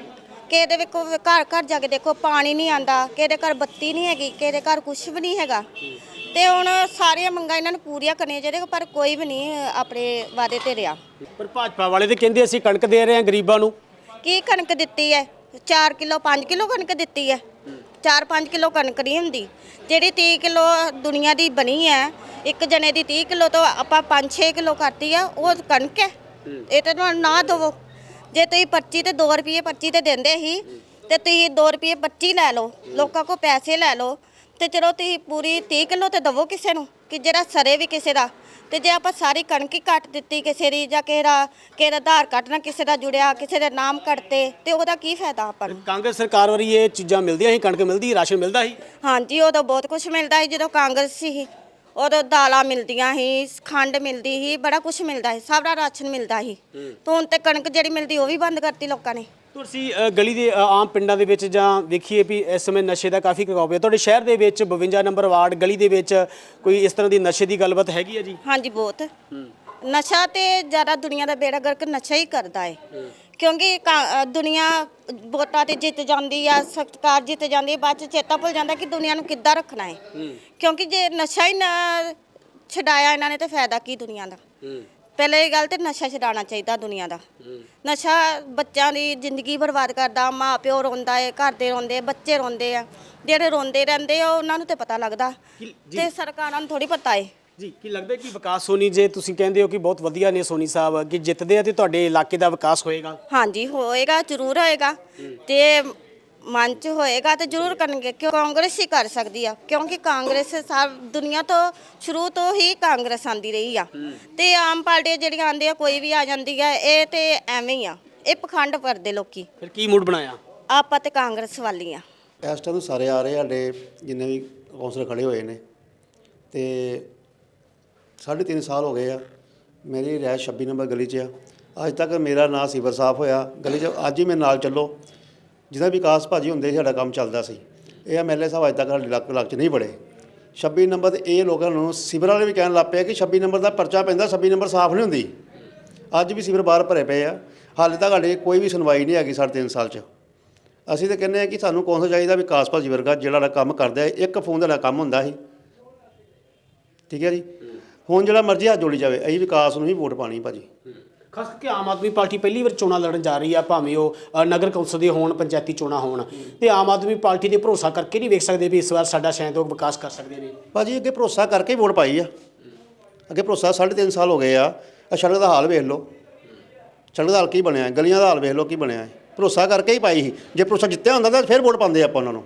ਕਿਸੇ ਦੇ ਵੇਖੋ ਘਰ ਘਰ ਜਾ ਕੇ ਦੇਖੋ ਪਾਣੀ ਨਹੀਂ ਆਂਦਾ, ਕਿਸੇ ਦੇ ਘਰ ਬੱਤੀ ਨਹੀਂ ਹੈਗੀ, ਕਿਸੇ ਦੇ ਘਰ ਕੁਝ ਵੀ ਨਹੀਂ ਹੈਗਾ। ਤੇ ਹੁਣ ਸਾਰੀਆਂ ਮੰਗਾਂ ਇਹਨਾਂ ਨੂੰ ਪੂਰੀਆਂ ਕਰਨੀਆਂ ਚਾਹੀਦੀਆਂ, ਪਰ ਕੋਈ ਵੀ ਨਹੀਂ ਆਪਣੇ ਵਾਅਦੇ ਤੇ ਰਿਹਾ।
ਪਰ ਭਾਜਪਾ ਵਾਲੇ ਤੇ ਕਹਿੰਦੇ ਅਸੀਂ ਕਣਕ ਦੇ ਰਹੇ ਹਾਂ ਗਰੀਬਾਂ ਨੂੰ।
ਕੀ ਕਣਕ ਦਿੱਤੀ ਹੈ? 4 ਕਿਲੋ 5 ਕਿਲੋ ਕਣਕ ਦਿੱਤੀ ਹੈ। 4-5 ਕਿਲੋ ਕਣਕ ਨਹੀਂ ਹੁੰਦੀ। ਜਿਹੜੀ 30 ਕਿਲੋ ਦੁਨੀਆ ਦੀ ਬਣੀ ਹੈ, ਇੱਕ ਜਣੇ ਦੀ 30 ਕਿਲੋ ਤੋਂ ਆਪਾਂ 5-6 ਕਿਲੋ ਕਰਤੀ ਆ, ਉਹ ਕਣਕ ਹੈ। ਇਹ ਤੇ ਨਾ ਦੇਵੋ। ਜੇ ਤੁਸੀਂ ਪਰਚੀ ਤੇ 2 ਰੁਪਏ ਪਰਚੀ ਤੇ ਦਿੰਦੇ ਸੀ ਤੇ ਤੁਸੀਂ 2 ਰੁਪਏ 25 ਲੈ ਲਓ, ਲੋਕਾਂ ਕੋਲ ਪੈਸੇ ਲੈ ਲਓ ਤੇ ਚਲੋ ਤੁਸੀਂ ਪੂਰੀ 30 ਕਿਲੋ ਤੇ ਦੇਵੋ ਕਿਸੇ ਨੂੰ ਕਿ ਜਿਹੜਾ ਸਰੇ ਵੀ ਕਿਸੇ ਦਾ। ਤੇ ਜੇ ਆਪਾਂ ਸਾਰੀ ਕਣਕ ਹੀ ਕੱਟ ਦਿੱਤੀ ਕਿਸੇ ਦੀ, ਜਾਂ ਕਿਸੇ ਦਾ ਆਧਾਰ ਕਾਰਡ ਨਾਲ ਕਿਸੇ ਦਾ ਜੁੜਿਆ, ਕਿਸੇ ਦੇ ਨਾਮ ਕੱਟਤੇ, ਤੇ ਉਹਦਾ ਕੀ ਫਾਇਦਾ ਆਪਾਂ ਨੂੰ?
ਕਾਂਗਰਸ ਸਰਕਾਰ ਵਾਰੀ ਇਹ ਚੀਜ਼ਾਂ ਮਿਲਦੀਆਂ ਸੀ, ਕਣਕ ਮਿਲਦੀ, ਰਾਸ਼ਨ ਮਿਲਦਾ ਸੀ।
ਹਾਂਜੀ, ਉਦੋਂ ਬਹੁਤ ਕੁਝ ਮਿਲਦਾ ਸੀ ਜਦੋਂ ਕਾਂਗਰਸ ਸੀ। ਉਦੋਂ ਦਾਲਾਂ ਮਿਲਦੀਆਂ ਸੀ, ਖੰਡ ਮਿਲਦੀ ਸੀ, ਬੜਾ ਕੁਝ ਮਿਲਦਾ ਸੀ, ਸਾਰਾ ਰਾਸ਼ਨ ਮਿਲਦਾ ਸੀ। ਤੇ ਹੁਣ ਤੇ ਕਣਕ ਜਿਹੜੀ ਮਿਲਦੀ ਉਹ ਵੀ ਬੰਦ ਕਰਤੀ ਲੋਕਾਂ ਨੇ।
ਤੁਸੀਂ ਗਲੀ ਦੇ ਆਮ ਪਿੰਡਾਂ ਦੇ ਵਿੱਚ ਜਾਂ ਵੇਖੀਏ ਵੀ ਇਸ ਸਮੇਂ ਨਸ਼ੇ ਦਾ ਕਾਫੀ ਖਿਲਾਫ ਹੈ। ਤੁਹਾਡੇ ਸ਼ਹਿਰ ਦੇ ਵਿੱਚ 52 ਨੰਬਰ ਵਾਰਡ ਗਲੀ ਦੇ ਵਿੱਚ ਕੋਈ ਇਸ ਤਰ੍ਹਾਂ ਦੀ ਨਸ਼ੇ ਦੀ ਗੱਲਬਾਤ ਹੈਗੀ ਹੈ ਜੀ?
ਹਾਂਜੀ, ਬਹੁਤ ਨਸ਼ਾ ਤੇ ਜ਼ਿਆਦਾ ਦੁਨੀਆ ਦਾ ਬੇੜਾ ਗਰਕ ਨਸ਼ਾ ਹੀ ਕਰਦਾ ਹੈ। ਕਿਉਂਕਿ ਦੁਨੀਆ ਵੋਟਾਂ ਤੇ ਜਿੱਤ ਜਾਂਦੀ ਆ, ਸਰਕਾਰ ਜਿੱਤ ਜਾਂਦੀ ਹੈ, ਬਾਅਦ ਚ ਚੇਤਾ ਭੁੱਲ ਜਾਂਦਾ ਕਿ ਦੁਨੀਆ ਨੂੰ ਕਿੱਦਾਂ ਰੱਖਣਾ ਹੈ। ਕਿਉਂਕਿ ਜੇ ਨਸ਼ਾ ਹੀ ਨਾ ਛਡਾਇਆ ਇਹਨਾਂ ਨੇ ਤੇ ਫਾਇਦਾ ਕੀ ਦੁਨੀਆ ਦਾ? ਪਹਿਲੇ ਇਹ ਗੱਲ ਤੇ ਨਸ਼ਾ ਛਡਾਉਣਾ ਚਾਹੀਦਾ ਦੁਨੀਆ ਦਾ। ਨਸ਼ਾ ਬੱਚਿਆਂ ਦੀ ਜ਼ਿੰਦਗੀ ਬਰਬਾਦ ਕਰਦਾ। ਮਾਂ ਪਿਓ ਰੋਂਦਾ ਹੈ, ਘਰ ਦੇ ਰੋਂਦੇ ਆ, ਬੱਚੇ ਰੋਂਦੇ ਆ। ਜਿਹੜੇ ਰੋਂਦੇ ਰਹਿੰਦੇ ਆ ਉਹਨਾਂ ਨੂੰ ਤੇ ਪਤਾ ਲੱਗਦਾ, ਤੇ ਸਰਕਾਰਾਂ ਨੂੰ ਥੋੜੀ ਪਤਾ ਹੈ
ਜੀ। ਕੀ ਲੱਗਦਾ ਕਿ ਵਿਕਾਸ ਸੋਨੀ, ਜੇ ਤੁਸੀਂ ਕਹਿੰਦੇ ਹੋ ਕਿ ਬਹੁਤ ਵਧੀਆ ਨੇ ਸੋਨੀ ਸਾਹਿਬ, ਕਿ ਜਿੱਤਦੇ ਆ ਤੇ ਤੁਹਾਡੇ ਇਲਾਕੇ ਦਾ ਵਿਕਾਸ ਹੋਏਗਾ?
ਹਾਂਜੀ, ਹੋਏਗਾ, ਜ਼ਰੂਰ ਹੋਏਗਾ। ਤੇ ਮਨ 'ਚ ਹੋਏਗਾ ਤੇ ਜ਼ਰੂਰ ਕਰਨਗੇ, ਕਿਉਂ ਕਾਂਗਰਸ ਹੀ ਕਰ ਸਕਦੀ ਆ। ਕਿਉਂਕਿ ਕਾਂਗਰਸ ਸਭ ਦੁਨੀਆ ਤੋਂ ਸ਼ੁਰੂ ਤੋਂ ਹੀ ਕਾਂਗਰਸ ਆਂਦੀ ਰਹੀ ਆ। ਤੇ ਆਮ ਪਾਰਟੀਆਂ ਜਿਹੜੀਆਂ ਆਉਂਦੀਆਂ, ਕੋਈ ਵੀ ਆ ਜਾਂਦੀ ਆ, ਇਹ ਤੇ ਐਵੇਂ ਹੀ ਆ। ਇਹ ਪਖੰਡ ਕਰਦੇ ਲੋਕੀ।
ਫਿਰ ਕੀ ਮੂਡ ਬਣਾਇਆ?
ਆਪਾਂ ਤੇ ਕਾਂਗਰਸ ਵਾਲੀ ਆ।
ਇਸ ਟਾਈਮ ਸਾਰੇ ਆ ਰਹੇ ਸਾਡੇ ਜਿੰਨੇ ਵੀ ਕੌਂਸਲਰ ਖੜੇ ਹੋਏ ਨੇ, ਤੇ 3.5 ਸਾਲ ਹੋ ਗਏ ਆ। ਮੇਰੀ ਰਿਹਾਇਸ਼ 26 ਨੰਬਰ ਗਲੀ 'ਚ ਆ। ਅੱਜ ਤੱਕ ਮੇਰਾ ਨਾਂ ਸੀਵਰ ਸਾਫ਼ ਹੋਇਆ ਗਲੀ 'ਚ। ਅੱਜ ਹੀ ਮੇਰੇ ਨਾਲ ਚੱਲੋ, ਜਿਹਦਾ ਵਿਕਾਸ ਭਾਜੀ ਹੁੰਦੇ ਸਾਡਾ ਕੰਮ ਚੱਲਦਾ ਸੀ। ਇਹ ਐਮਐਲਏ ਸਾਹਿਬ ਅੱਜ ਤੱਕ ਸਾਡੇ ਇਲਾਕੇ 'ਚ ਨਹੀਂ ਬੜੇ। 26 ਨੰਬਰ ਤੇ ਇਹ ਲੋਕਾਂ ਨੂੰ ਸੀਵਰ ਵਾਲੇ ਵੀ ਕਹਿਣ ਲੱਗ ਪਏ ਕਿ 26 ਨੰਬਰ ਦਾ ਪਰਚਾ ਪੈਂਦਾ, 26 ਨੰਬਰ ਸਾਫ਼ ਨਹੀਂ ਹੁੰਦੀ। ਅੱਜ ਵੀ ਸੀਵਰ ਬਾਹਰ ਭਰੇ ਪਏ ਆ। ਹਾਲੇ ਤੱਕ ਸਾਡੇ ਕੋਈ ਵੀ ਸੁਣਵਾਈ ਨਹੀਂ ਹੈਗੀ 3.5 ਸਾਲ 'ਚ। ਅਸੀਂ ਤਾਂ ਕਹਿੰਦੇ ਹਾਂ ਕਿ ਸਾਨੂੰ ਕੌਂਸਲ ਚਾਹੀਦਾ ਵਿਕਾਸ ਭਾਜੀ ਵਰਗਾ, ਜਿਹੜਾ ਕੰਮ ਕਰਦਾ ਹੈ। ਇੱਕ ਫੋਨ ਦਾ ਕੰਮ ਹੁੰਦਾ ਸੀ, ਠੀਕ ਹੈ ਜੀ। ਹੁਣ ਜਿਹੜਾ ਮਰਜ਼ੀ ਹੱਥ ਜੋੜੀ ਜਾਵੇ, ਅਸੀਂ ਵਿਕਾਸ ਨੂੰ ਹੀ ਵੋਟ ਪਾਣੀ ਭਾਜੀ।
ਖਾਸ ਕਰਕੇ ਆਮ ਆਦਮੀ ਪਾਰਟੀ ਪਹਿਲੀ ਵਾਰ ਚੋਣਾਂ ਲੜਨ ਜਾ ਰਹੀ ਆ, ਭਾਵੇਂ ਉਹ ਨਗਰ ਕੌਂਸਲ ਦੇ ਹੋਣ, ਪੰਚਾਇਤੀ ਚੋਣਾਂ ਹੋਣ, ਤੇ ਆਮ ਆਦਮੀ ਪਾਰਟੀ 'ਤੇ ਭਰੋਸਾ ਕਰਕੇ ਨਹੀਂ ਵੇਖ ਸਕਦੇ ਵੀ ਇਸ ਵਾਰ ਸਾਡਾ ਸ਼ਾਇਦ ਉਹ ਵਿਕਾਸ ਕਰ ਸਕਦੇ ਨੇ?
ਭਾਜੀ ਅੱਗੇ ਭਰੋਸਾ ਕਰਕੇ ਹੀ ਵੋਟ ਪਾਈ ਆ। ਅੱਗੇ ਭਰੋਸਾ 3.5 ਸਾਲ ਹੋ ਗਏ ਆ। ਸੜਕ ਦਾ ਹਾਲ ਵੇਖ ਲਓ, ਸੜਕ ਦਾ ਹਾਲ ਕੀ ਬਣਿਆ, ਗਲੀਆਂ ਦਾ ਹਾਲ ਵੇਖ ਲਓ ਕੀ ਬਣਿਆ। ਭਰੋਸਾ ਕਰਕੇ ਹੀ ਪਾਈ ਸੀ। ਜੇ ਭਰੋਸਾ ਜਿੱਤਿਆ ਹੁੰਦਾ ਤਾਂ ਫਿਰ ਵੋਟ ਪਾਉਂਦੇ ਆਪਾਂ ਉਹਨਾਂ ਨੂੰ।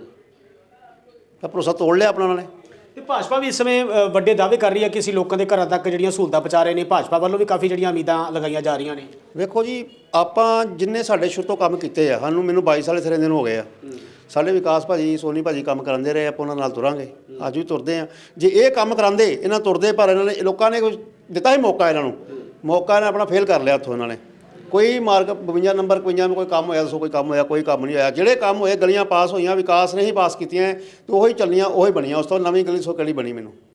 ਤਾਂ ਭਰੋਸਾ ਤੋੜ ਲਿਆ ਆਪਣਾ ਉਹਨਾਂ ਨੇ।
ਤੇ ਭਾਜਪਾ ਵੀ ਇਸ ਸਮੇਂ ਵੱਡੇ ਦਾਅਵੇ ਕਰ ਰਹੀ ਹੈ ਕਿ ਅਸੀਂ ਲੋਕਾਂ ਦੇ ਘਰਾਂ ਤੱਕ ਜਿਹੜੀਆਂ ਸਹੂਲਤਾਂ ਪਹੁੰਚਾ ਰਹੇ ਨੇ। ਭਾਜਪਾ ਵੱਲੋਂ ਵੀ ਕਾਫੀ ਜਿਹੜੀਆਂ ਉਮੀਦਾਂ ਲਗਾਈਆਂ ਜਾ ਰਹੀਆਂ ਨੇ।
ਵੇਖੋ ਜੀ, ਆਪਾਂ ਜਿੰਨੇ ਸਾਡੇ ਸ਼ੁਰੂ ਤੋਂ ਕੰਮ ਕੀਤੇ ਆ, ਮੈਨੂੰ 22 ਸਾਲ ਇੱਥੇ ਦਿਨ ਹੋ ਗਏ ਆ। ਸਾਡੇ ਵਿਕਾਸ ਭਾਜੀ, ਸੋਨੀ ਭਾਜੀ ਕੰਮ ਕਰਾਉਂਦੇ ਰਹੇ, ਆਪਾਂ ਉਹਨਾਂ ਨਾਲ ਤੁਰਾਂਗੇ, ਅੱਜ ਵੀ ਤੁਰਦੇ ਆ। ਜੇ ਇਹ ਕੰਮ ਕਰਾਉਂਦੇ, ਇਹਨਾਂ ਤੁਰਦੇ, ਪਰ ਇਹਨਾਂ ਨੇ ਲੋਕਾਂ ਨੇ ਕੁਝ ਦਿੱਤਾ ਸੀ ਮੌਕਾ ਇਹਨਾਂ ਨੂੰ। ਮੌਕਾ ਨੇ ਆਪਣਾ ਫੇਲ ਕਰ ਲਿਆ ਉੱਥੋਂ ਇਹਨਾਂ ਨੇ। ਕੋਈ ਮਾਰਕ 52 ਨੰਬਰ 52 में ਕੋਈ ਕੰਮ ਹੋਇਆ ਦੱਸੋ? ਕੋਈ ਕੰਮ ਹੋਇਆ? ਕੋਈ ਕੰਮ ਨਹੀਂ ਹੋਇਆ। ਜਿਹੜੇ ਕੰਮ ਹੋਏ, ਗਲੀਆਂ ਪਾਸ ਹੋਈਆਂ, ਵਿਕਾਸ ਨੇ ਹੀ ਪਾਸ ਕੀਤੀਆਂ, ਤੇ ਉਹੀ ਚੱਲੀਆਂ, ਉਹੀ ਬਣੀਆਂ। ਉਸ ਤੋਂ ਨਵੀਂ ਗਲੀ ਸੋ ਕਿਹੜੀ ਬਣੀ ਮੈਨੂੰ?